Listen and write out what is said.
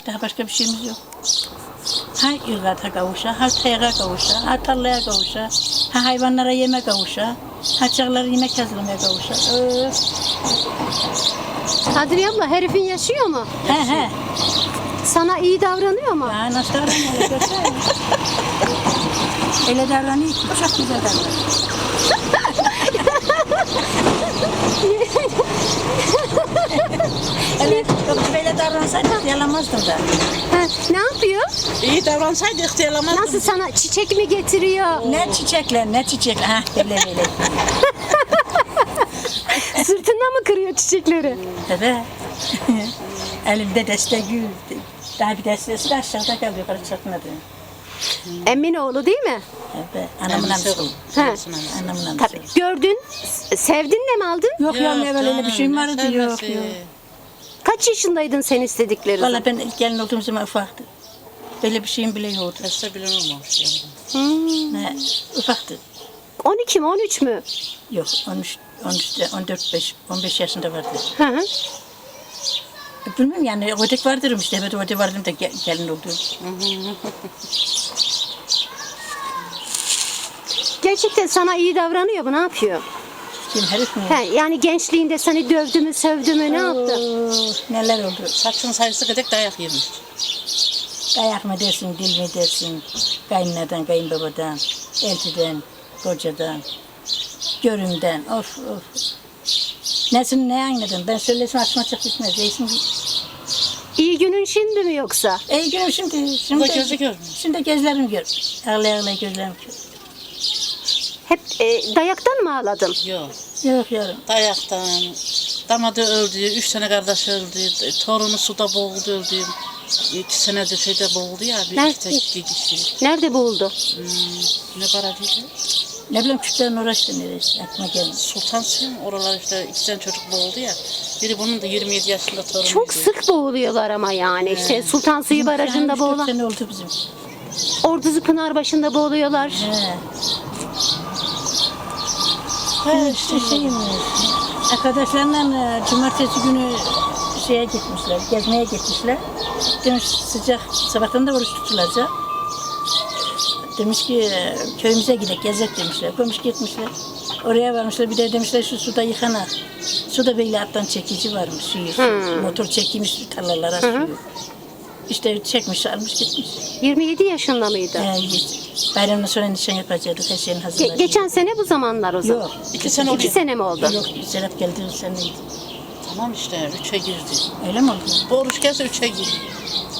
Daha başka bir şeyimiz yok. Ha ırgata kavuşa, ha teyga kavuşa, ha tarlaya kavuşa, ha hayvanlara yeme kavuşa, ha çağlar yemek hazırlamaya kavuşa. Kadriye abla herifin yaşıyor mu? He. Sana iyi davranıyor mu? Ya nasıl davranıyor öyle görsene. Öyle davranıyor ki çok güzel davranıyor. Evet, yok böyle davransaydı yalamazdım da. Ha, ne yapıyor? İyi davransaydı ihtiyarlamazdım. Nasıl sana çiçek mi getiriyor? Ne çiçekler. Ha böyle. Sırtından mı kırıyor çiçekleri? Evet. Elimde destek gül. Daha bir destesi de aşağıda kaldı, yukarı çıkmadı. Eminoğlu değil mi? Evet, anamın amcası. Ha. Anamın amcası. Tabii. Gördün, sevdin de mi aldın? Yok ya, ne böyle öyle bir şeyim vardı, yok. Kaç yaşındaydın sen istedikleri zaman? Valla ben ilk gelin olduğum zaman ufaktı. Böyle bir şeyim bile yoktu. Hasta bile olmamış yani. Ne, ufaktı. 12 mi 13 mü? Yok, 14, 15 yaşında vardı. Hı hı. Bilmiyorum yani, ödek vardır işte, evet ödek vardım da gelin oldum. Gerçekten sana iyi davranıyor mu? Ne yapıyor? Kim herif mi? He, yani gençliğinde seni dövdü mü, sövdü mü, ne yaptı? Neler oldu? Saçın sayısı kadar dayak yemiş. Dayak mı dersin, dil mi dersin? Kayınlardan, kayınbabadan, eltiden, kocadan, görümden, of. Nesini ne anladın? Ben söylesem aklıma çok gitmez. Değilsin. İyi günün şimdi mi yoksa? İyi günüm şimdi. Bu da gözü görmüyor. Şimdi gözlerim gör. Ağlaya gözlerim gör. Hep dayaktan mı ağladın? Yok. Yok yavrum. Dayaktan. Damadı öldü. 3 tane kardeş öldü. Torunu suda boğuldu öldü. 2 senedir şeyde boğuldu ya. Nerede? İki kişi. Nerede buldu? Ne para dedi? Ne bileyim küçüklerin uğraştı neresi. Aklıma gelmedi. Sultan Suyum. Oralar işte 2 tane çocuk boğuldu ya. Biri bunun da 27 yaşında torunu. Çok sık boğuluyorlar ama yani. İşte Sultan Suyu Barajı'nda boğulan. boğulan. sene oldu bizim. Orduzu Pınarbaşı'nda boğuluyorlar. İşte şeyim. Arkadaşlarla cumartesi günü şeye gitmişler, gezmeye gitmişler. Demiş sıcak, sabahtan da oruç tutulacak. Demiş ki köyümüze gidelim, gezek demişler. Koymuş gitmişler. Oraya varmışlar, bir de demişler şu suda yıkanak. Suda böyle alttan çekici varmış suyu. Motor çekmiş tarlalara suyu. İşte çekmiş, almış gitmiş. 27 yaşında mıydı? Bayramdan sonra nişan yapacaktık, her şeyin hazırladık. Geçen sene bu zamanlar o zaman. Yok. 2 sene 2 oluyor. sene mi oldu? Yok, Serap geldi seneydi. Tamam işte 3'e girdi. Öyle mi oldu? Bu oruç gelse 3'e girdi.